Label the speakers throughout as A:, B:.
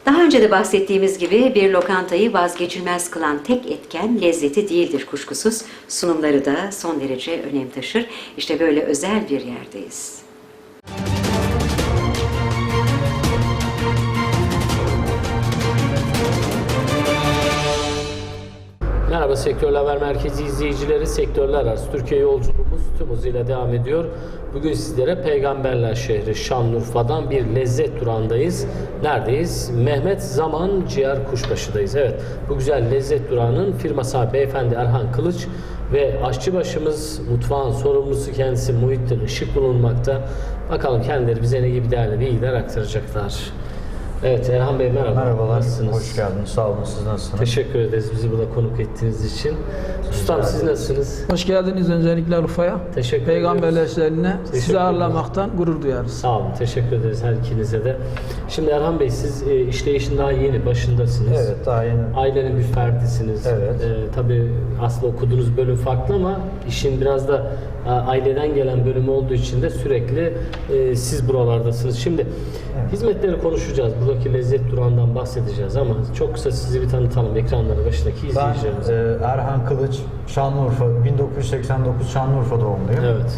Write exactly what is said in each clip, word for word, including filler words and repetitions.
A: Daha önce de bahsettiğimiz gibi bir lokantayı vazgeçilmez kılan tek etken lezzeti değildir kuşkusuz. Sunumları da son derece önem taşır. İşte böyle özel bir yerdeyiz.
B: Merhaba Sektörler Haber Merkezi izleyicileri, sektörler arası Türkiye yolculuğumuz tüm hızıyla devam ediyor. Bugün sizlere Peygamberler şehri Şanlıurfa'dan bir lezzet durağındayız. Neredeyiz? Mehmet Zaman Ciğer Kuşbaşı'dayız. Evet, bu güzel lezzet durağının firma sahibi beyefendi Erhan Kılıç ve aşçıbaşımız, mutfağın sorumlusu kendisi Muhittin Işık bulunmakta. Bakalım kendileri bize ne gibi değerli bilgiler aktaracaklar. Evet Erhan Bey merhaba.
C: Merhabalar,
B: Nasılsınız?
C: hoş geldiniz. Sağ olun, siz nasılsınız?
B: Teşekkür ederiz bizi burada konuk ettiğiniz için. Ustam siz nasılsınız?
D: Hoş geldiniz öncelikle Urfa'ya.
B: Teşekkür
D: Peygamberler
B: ediyoruz.
D: şehrine
B: Teşekkür
D: sizi ağırlamaktan gurur duyarız.
B: Sağ olun, teşekkür ederiz her ikinize de. Şimdi Erhan Bey siz e, işleyişin daha yeni başındasınız.
C: Evet, daha yeni.
B: Ailenin bir ferdisiniz.
C: Evet.
B: E, tabii aslında okuduğunuz bölüm farklı ama işin biraz da e, aileden gelen bölüm olduğu için de sürekli e, siz buralardasınız. Şimdi
C: Evet.
B: hizmetleri konuşacağız. Buradaki lezzet durağından bahsedeceğiz ama çok kısa sizi bir tanıtalım ekranları başındaki
C: Ben
B: izleyicilerimize.
C: e, Erhan Kılıç, Şanlıurfa, bin dokuz yüz seksen dokuz Şanlıurfa doğumluyum.
B: Evet.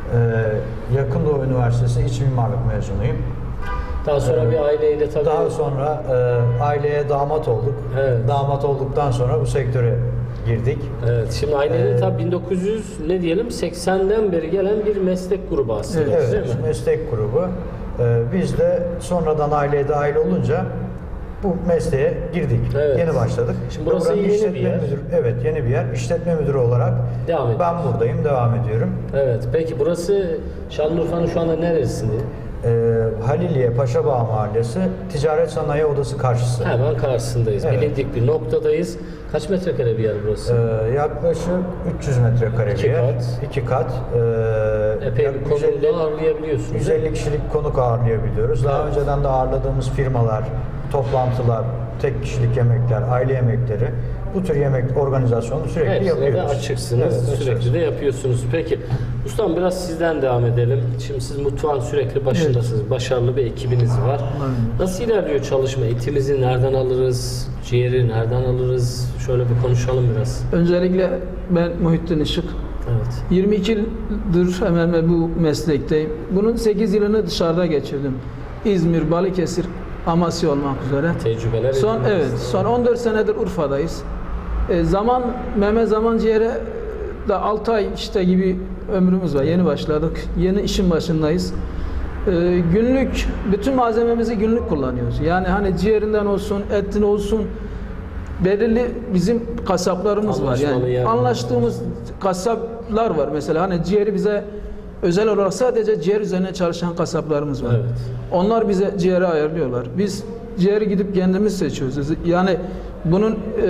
C: E, Yakın Doğu Üniversitesi İç Mimarlık mezunuyum.
B: Daha sonra
C: Evet.
B: bir aileyle tabii...
C: Daha sonra e, aileye damat olduk.
B: Evet.
C: Damat olduktan sonra bu sektöre girdik.
B: Evet, şimdi ailenin
C: Ee,
B: tabii bin dokuz yüz ne diyelim seksenden beri gelen bir meslek grubu aslında
C: Evet,
B: değil mi?
C: meslek grubu. E, biz de sonradan aileye dahil olunca bu mesleğe girdik.
B: Evet.
C: Yeni başladık.
B: Şimdi burası
C: Buranın
B: yeni bir
C: işletme
B: yer.
C: müdürü- evet, yeni bir yer. İşletme müdürü olarak
B: Devam
C: ben
B: ediyoruz.
C: buradayım, devam ediyorum.
B: Evet, peki burası Şanlıurfa'nın şu anda neresinde?
C: Ee, Haliliye Paşabağ Mahallesi Ticaret Sanayi Odası karşısı.
B: Hemen karşısındayız.
C: Evet.
B: Bilindik bir noktadayız. Kaç metrekare bir yer burası?
C: Ee, yaklaşık üç yüz metrekare
B: İki
C: bir yer.
B: kat.
C: İki kat. Ee,
B: Epey
C: yak-
B: bir
C: yüz elli
B: konumda ağırlayabiliyorsunuz.
C: yüz elli kişilik konuk ağırlayabiliyoruz. Daha
B: Evet.
C: önceden de ağırladığımız firmalar, toplantılar, tek kişilik yemekler, aile yemekleri, bu tür yemek organizasyonu sürekli
B: Hepsine
C: yapıyoruz.
B: de açıksınız,
C: Evet,
B: sürekli
C: açığız.
B: de yapıyorsunuz. Peki, ustam biraz sizden devam edelim. Şimdi siz mutfağın sürekli başındasınız, başarılı bir ekibiniz var. Nasıl ilerliyor çalışma? Etimizi nereden alırız? Ciğeri nereden alırız? Şöyle bir konuşalım biraz.
D: Öncelikle ben Muhittin Işık.
B: Evet.
D: yirmi iki yıldır hemen hemen bu meslekteyim. Bunun sekiz yılını dışarıda geçirdim. İzmir, Balıkesir, Amasya olmak üzere.
B: Tecrübeler
D: Son
B: edindiniz.
D: evet, son on dört senedir Urfa'dayız. E, zaman Mehmet Zaman Ciğer'e da altı ay işte gibi ömrümüz var. Yeni başladık. Yeni işin başındayız. E, günlük bütün malzememizi günlük kullanıyoruz. Yani hani ciğerinden olsun, etin olsun belirli bizim kasaplarımız var.
B: Anlaşmalı
D: Yani
B: yerler
D: anlaştığımız kasaplar var. Mesela hani ciğeri bize özel olarak sadece ciğer üzerine çalışan kasaplarımız var.
B: Evet.
D: Onlar bize ciğeri ayarlıyorlar. Biz ciğeri gidip kendimiz seçiyoruz. Yani bunun e,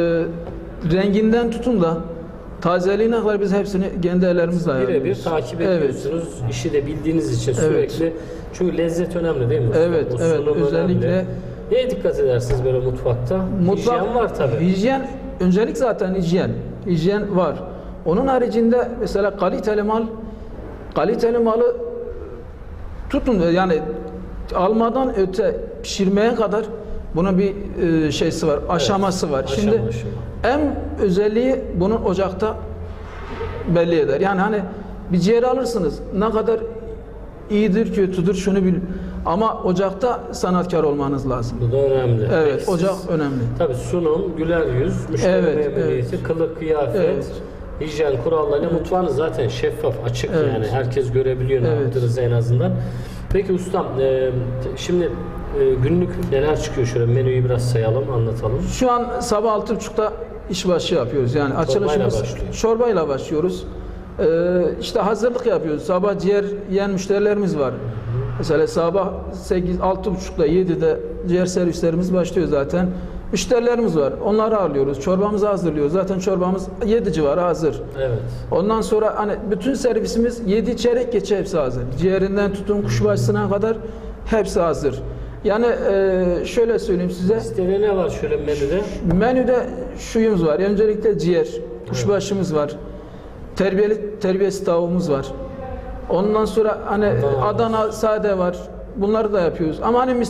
D: renginden tutun da tazeliğine kadar biz hepsini kendi ellerimizle ayarlıyoruz.
B: Birebir takip
D: Evet.
B: ediyorsunuz. İşi de bildiğiniz için
D: Evet.
B: sürekli. Çünkü lezzet önemli değil mi?
D: Evet,
B: O
D: evet.
B: sunum
D: Özellikle-
B: önemli. Neye dikkat edersiniz böyle mutfakta?
D: Mutfak,
B: Hijyen var tabii.
D: Hijyen, öncelik zaten hijyen. Hijyen var. Onun haricinde mesela kaliteli mal, kaliteli malı tutun yani almadan öte pişirmeye kadar bunun bir e, şeysi var, aşaması var.
B: aşama,
D: Şimdi
B: aşama.
D: en özelliği bunun ocakta belli eder. Yani hani bir ciğer alırsınız ne kadar iyidir kötüdür şunu bil. Ama ocakta sanatkar olmanız lazım.
B: Bu da önemli.
D: Evet,
B: Peki
D: ocak
B: siz-
D: önemli.
B: Tabii sunum, güler yüz, müşteri
D: Evet,
B: memnuniyeti, kılık, kıyafet,
D: Evet.
B: hijyen kurallarıyla mutfağınız zaten şeffaf, açık
D: Evet.
B: yani. Herkes görebiliyor ne
D: Evet.
B: yaptığınızı en azından. Peki ustam, e, şimdi e, günlük neler çıkıyor şöyle menüyü biraz sayalım, anlatalım.
D: Şu an sabah altı buçukta işbaşı yapıyoruz. Yani açılışımız
B: başlıyor.
D: çorbayla başlıyoruz. Ee, işte hazırlık yapıyoruz. Sabah ciğer yiyen müşterilerimiz var. Mesela sabah sekiz altı buçukta yedide ciğer servislerimiz başlıyor zaten. Müşterilerimiz var. Onları ağırlıyoruz. Çorbamızı hazırlıyoruz. Zaten çorbamız yedi civarı hazır.
B: Evet.
D: Ondan sonra hani bütün servisimiz yedi çeyrek geçe hepsi hazır. Ciğerinden tutun kuşbaşısına kadar hepsi hazır. Yani e, şöyle söyleyeyim size.
B: Listede ne var şöyle menüde?
D: Menüde şuyumuz var. Öncelikle ciğer, kuşbaşımız var. Terbiyeli terbiyesi tavuğumuz var. Ondan sonra hani
B: Adana.
D: Adana sade var. Bunları da yapıyoruz. Ama hani mis-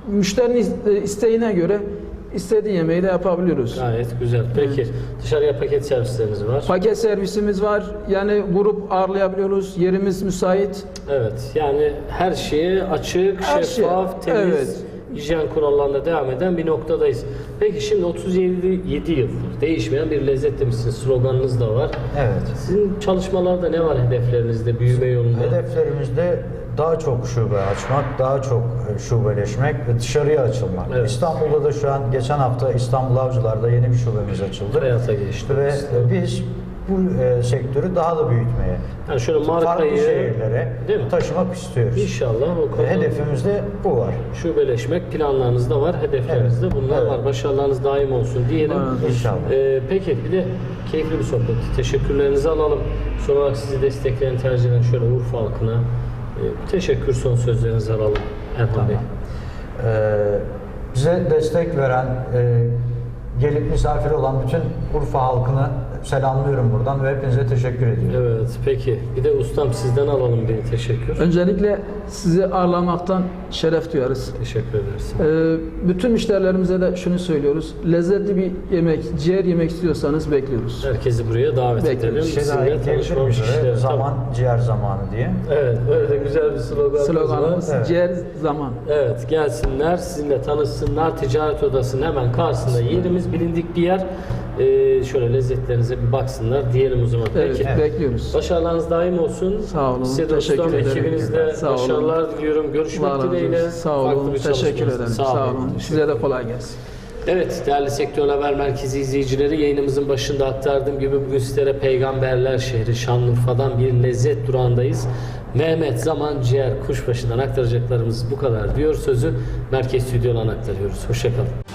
D: müşterinin iste- isteğine göre istediği yemeği de yapabiliyoruz.
B: Gayet güzel. Peki dışarıya paket servisleriniz var.
D: Paket servisimiz var. Yani grup ağırlayabiliyoruz. Yerimiz müsait.
B: Evet. Yani her şeye açık,
D: Her
B: şeffaf,
D: şey,
B: temiz,
D: evet.
B: hijyen kurallarına devam eden bir noktadayız. Peki şimdi otuz yedi yıl değişmeyen bir lezzet demişsiniz. Sloganınız da var.
C: Evet.
B: Sizin çalışmalarda ne var hedeflerinizde, büyüme yolunda?
C: Hedeflerimizde daha çok şube açmak, daha çok e, şubeleşmek ve dışarıya açılmak.
B: Evet.
C: İstanbul'da da şu an geçen hafta İstanbul Avcılar'da yeni bir şubemiz açıldı.
B: Hayata geçti.
C: Ve e, biz bu e, sektörü daha da büyütmeye,
B: Yani şöyle
C: farklı
B: markayı
C: şehirlere
B: değil mi?
C: taşımak istiyoruz.
B: İnşallah o
C: Ve
B: konuda
C: hedefimizde bu var.
B: şubeleşmek planlarınızda var, hedeflerinizde
C: Evet.
B: bunlar
C: Evet.
B: var. Başarılarınız daim olsun diyelim.
D: Evet.
C: İnşallah.
B: Ee, peki bir de keyifli bir sohbet. Teşekkürlerinizi alalım. Son olarak sizi destekleyen, tercih eden şöyle Urfa halkına e, teşekkür son sözlerinizi alalım Erhan Bey.
C: Ee, bize destek veren, e, gelip misafir olan bütün Urfa halkını selamlıyorum buradan ve hepinize teşekkür ediyorum.
B: Evet, peki. Bir de ustam sizden alalım bir teşekkür.
D: Öncelikle sizi ağırlamaktan şeref duyarız.
B: Teşekkür ederiz.
D: Ee, bütün müşterilerimize de şunu söylüyoruz. Lezzetli bir yemek, ciğer yemek istiyorsanız bekliyoruz.
B: Herkesi buraya davet
D: Bekliyoruz.
B: edelim.
C: Bir şey daha
B: Sizinle
C: ekleyebilir
B: tanışmamış
C: miyiz?
B: kişiler.
C: Zaman ciğer zamanı diye.
B: Tamam. Evet, böyle de güzel bir sloganımız
D: Sloganımız
B: var.
C: Evet.
D: ciğer zaman.
B: Evet, gelsinler, sizinle tanışsınlar. Ticaret Odası'nın hemen karşısında yerimiz, bilindik bir yer. Ee, şöyle lezzetlerinize bir baksınlar diyelim o zaman.
D: Evet,
B: Peki.
D: bekliyoruz.
B: Başarılarınız daim olsun.
D: Sağ olun,
B: Size de
D: teşekkür
B: ustam,
D: ederim.
B: ekibinizle
D: Sağ olun.
B: başarılar diliyorum. Görüşmek
D: Allah razı
B: dileğiyle.
D: olsun. Sağ
B: Farklı
D: olun.
B: bir
D: Teşekkür
B: çalışmanızda.
D: ederim.
B: Sağ
D: Sağ
B: olun.
D: olun. Size de kolay gelsin.
B: Evet değerli Sektör Haber Merkezi izleyicileri, yayınımızın başında aktardığım gibi bugün sizlere Peygamberler şehri Şanlıurfa'dan bir lezzet durağındayız. Mehmet Zaman Ciğer Kuşbaşı'ndan aktaracaklarımız bu kadar diyor, sözü merkez stüdyodan aktarıyoruz. Hoşçakalın.